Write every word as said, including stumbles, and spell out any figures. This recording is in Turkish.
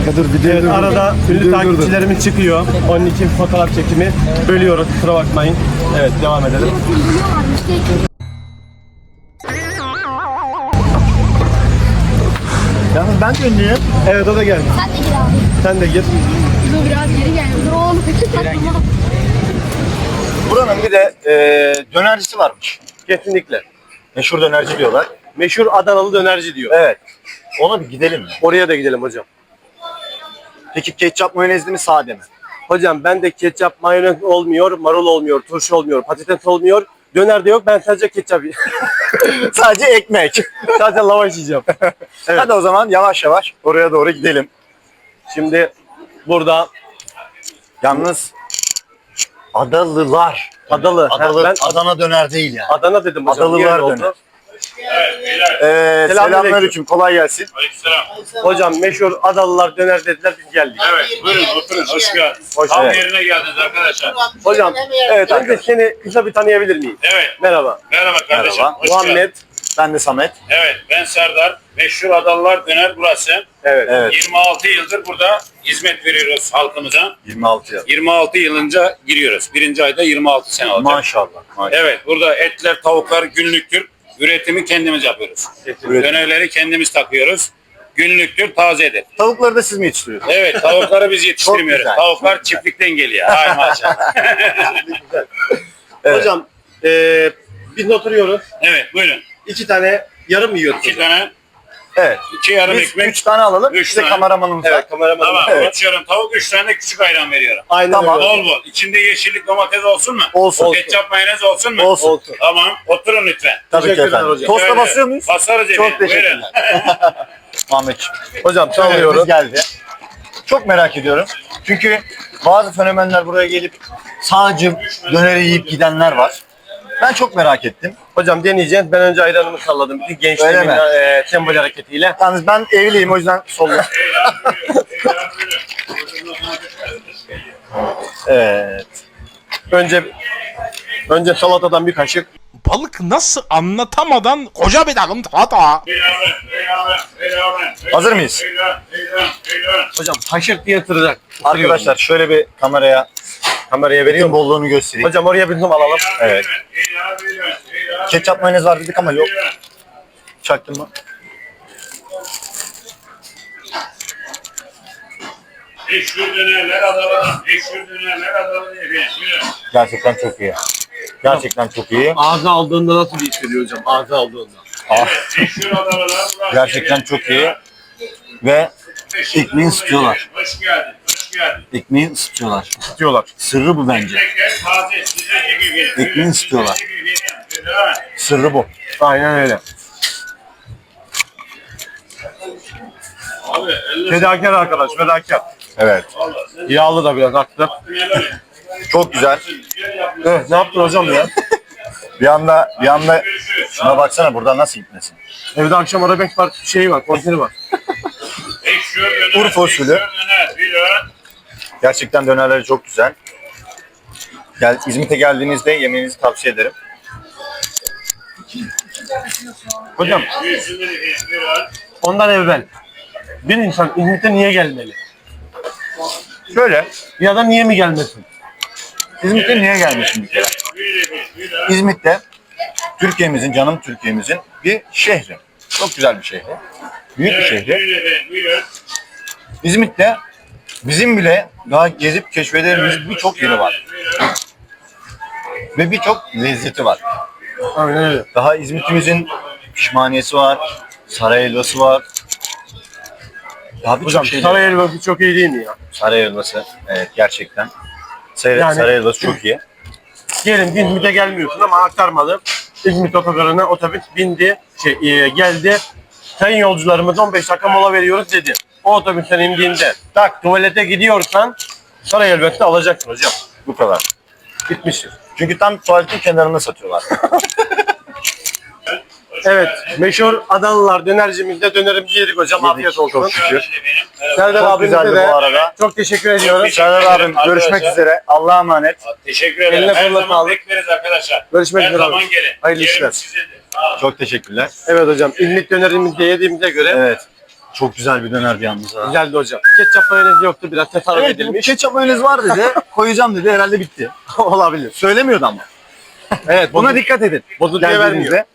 Dur, video Evet, dur, arada dur. ünlü Dur, dur, takipçilerimiz çıkıyor. Onun için fotoğraf çekimi bölüyoruz. Kusura bakmayın. Evet, devam edelim. Yalnız ben de ünlüyüm. Evet, o da geldi. Sen de gir abi. Sen de gir. Dur biraz geri gel. Dur oğlum. Buranın bir de e, dönercisi varmış. Kesinlikle. Meşhur dönerci diyorlar. Meşhur Adanalı dönerci diyor. Evet. Ona bir gidelim mi? Oraya da gidelim hocam. Peki ketçap mayonezli mi sade mi? Hocam ben de ketçap, mayonez olmuyor, marul olmuyor, turşu olmuyor, patates olmuyor. Döner de yok. Ben sadece ketçap yiyeceğim. Sadece ekmek. Sadece lavaş yiyeceğim. Evet. Hadi o zaman yavaş yavaş oraya doğru gidelim. Şimdi burada Yalnız Adalılar. Adalı. Adalı, Ha, ben Adana döner değil yani. Adana dedim hocam. Adalılar Niye öyle oldu? döner. Ee, Selamünaleyküm. selamünaleyküm. Kolay gelsin. Aleykümselam. Hocam meşhur Adalılar döner dediler, biz geldik. Evet, buyurun oturun, hoş geldiniz. Hoş Tam geldin. yerine geldiniz arkadaşlar. Hocam, Evet önce arkadaşlar. seni kısa bir tanıyabilir miyim? Evet, Merhaba. merhaba kardeşim. Merhaba. Hoş geldin. Muhammed. Ben de Samet. Evet, ben Serdar. Meşhur Adalılar Döner burası. Evet. Evet. yirmi altı yıldır burada hizmet veriyoruz halkımıza. yirmi altı yıl. yirmi altı yılınca giriyoruz. Birinci ayda yirmi altı sene olacak. Maşallah. maşallah. Evet, burada etler, tavuklar günlüktür. Üretimi kendimiz yapıyoruz. Üretim. Dönerleri kendimiz takıyoruz. Günlüktür, tazedir. Tavukları da siz mi yetiştiriyorsunuz? Evet, tavukları biz yetiştirmiyoruz. güzel, Tavuklar çok güzel. çiftlikten geliyor. Ay maşallah. Evet. Hocam, eee biz oturuyoruz. Evet, buyurun. İki tane yarım yiyoruz. İki tane, Evet. iki yarım Biz ekmek. üç tane alalım. Üç Bir de tane. kameramanımız var. Evet, kameraman. Tamam, Evet. açıyorum tavuk, üç tane de küçük ayran veriyorum. Aynen Tamam. öyle. Bol bol. İçinde yeşillik domates olsun mu? Olsun. Ketçap mayonez olsun mu? Olsun. Olsun. Tamam, oturun lütfen. Tabii ki Teşekkürler efendim. hocam. Tosta Şöyle, basıyor muyuz? Basarız efendim. Çok teşekkürler. Ahmetciğim. Hocam Çalıyoruz. çalıyoruz. Geldi. Çok merak ediyorum. Çünkü bazı fenomenler buraya gelip sadece döneri yiyip gidenler var. Ben çok merak ettim. Hocam deneyeceğiz. Ben önce ayranımı salladım. Bütün Öyle gençliğimin mi? eee sembol hareketiyle. Yalnız ben evliyim o yüzden solla. Evet. Önce önce salatadan bir kaşık. Balık nasıl anlatamadan koca bir takım hata. Hazır mıyız? Hocam kaşık diye ısıracak. Arkadaşlar şöyle bir kameraya Kameraya veriyor etin mu? bolluğunu göstereyim. Hocam oraya bir zoom alalım. Evet. Ketçap mayonez var dedik ama yok. Çaktın mı? Eşhur dönerler Adana'dan. Eşhur dönerler Adana'dan efendim. Buyurun. Gerçekten çok iyi. Gerçekten çok iyi. Ağza aldığında nasıl bir hissediyor hocam? Ağza aldığında. Ah, Eşhur Adana'dan burası. gerçekten çok iyi. Ve ekmeği ısıtıyorlar. Hoş geldin. Hoş geldin. ekmeği ısıtıyorlar. Diyorlar. Sırrı bu bence. Ekmekler taze. Size gibi. Ekmeği ısıtıyorlar. Size gibi. Buyurun. Sırrı bu. Aynen öyle. Abi elle Fedakar arkadaş, fedakar. Evet. Allah. Sen Yağlı da biraz aktı. helal et. Çok güzel. Güzel yapıyorsun. Evet, ne yaptın hocam ya? Bir anda bir anda Görüşürüz. şuna baksana buradan nasıl gitmesin. Evde akşam arabek var, şeyi var, konseri var. Eşhur döner. Urfa usulü. Eşhur döner. Buyurun. Gerçekten dönerleri çok güzel. Gel, İzmit'e geldiğinizde yemenizi tavsiye ederim. Hocam, Buyursunlar efendim. Buyurun. ondan evvel bir insan İzmit'e niye gelmeli? Şöyle, Ya da niye mi gelmesin? İzmit'e niye gelmişim bir kere? Buyurun efendim. Buyurun. İzmit'te Türkiye'mizin, canım Türkiye'mizin bir şehri. Çok güzel bir şehri. Büyük bir Evet, şehri. buyurun efendim. Buyurun. İzmit'te bizim bile daha gezip keşfedeceğimiz birçok yeri var. Buyurun. Ve birçok lezzeti var. Aynen öyle. Daha İzmit'imizin pişmaniyesi var, saray helvası var. Daha birçok Hocam şey saray helvası çok iyi değil mi ya? Saray helvası, evet gerçekten. Saray, Yani- saray helvası çok iyi. Diyelim ki İzmit'e gelmiyorsun ama aktarmalı. İzmit otogarına otobüs bindi, şey e, geldi. Sayın yolcularımız on beş dakika mola veriyoruz dedi. O otobüsten indiğinde tak tuvalete gidiyorsan saray helvası alacaksın hocam. Bu kadar. Bitmiştir. Çünkü tam tuvaletin kenarında satıyorlar. Evet, meşhur Adalılar dönercimizde dönerimizi yedik hocam. Yedik, Afiyet olsun. çok şükür. Serdar Çok abimize güzeldi de bu arada. çok teşekkür ediyoruz. Serdar abim görüşmek Arkadaşlar. üzere. Allah'a emanet. Teşekkür ederim. Eline Her koluna zaman sağlık. bekleriz arkadaşlar. Görüşmek Her üzere zaman abi. gelin. Hayırlı Yerim işler. sizedir. Sağ olun. Çok teşekkürler. Evet hocam, İzmit dönerimizi de yediğimize göre Evet. Çok güzel bir dönerdi yalnız ha. Güzeldi hocam. Ketçap mayonez yoktu, biraz tasarruf Evet, edilmiş. ketçap mayonez var dedi. Koyacağım dedi. Herhalde bitti. Olabilir. Söylemiyordu ama. Evet, Buna bozul- dikkat edin. bozulmaya Geldiğinizde. vermiyor.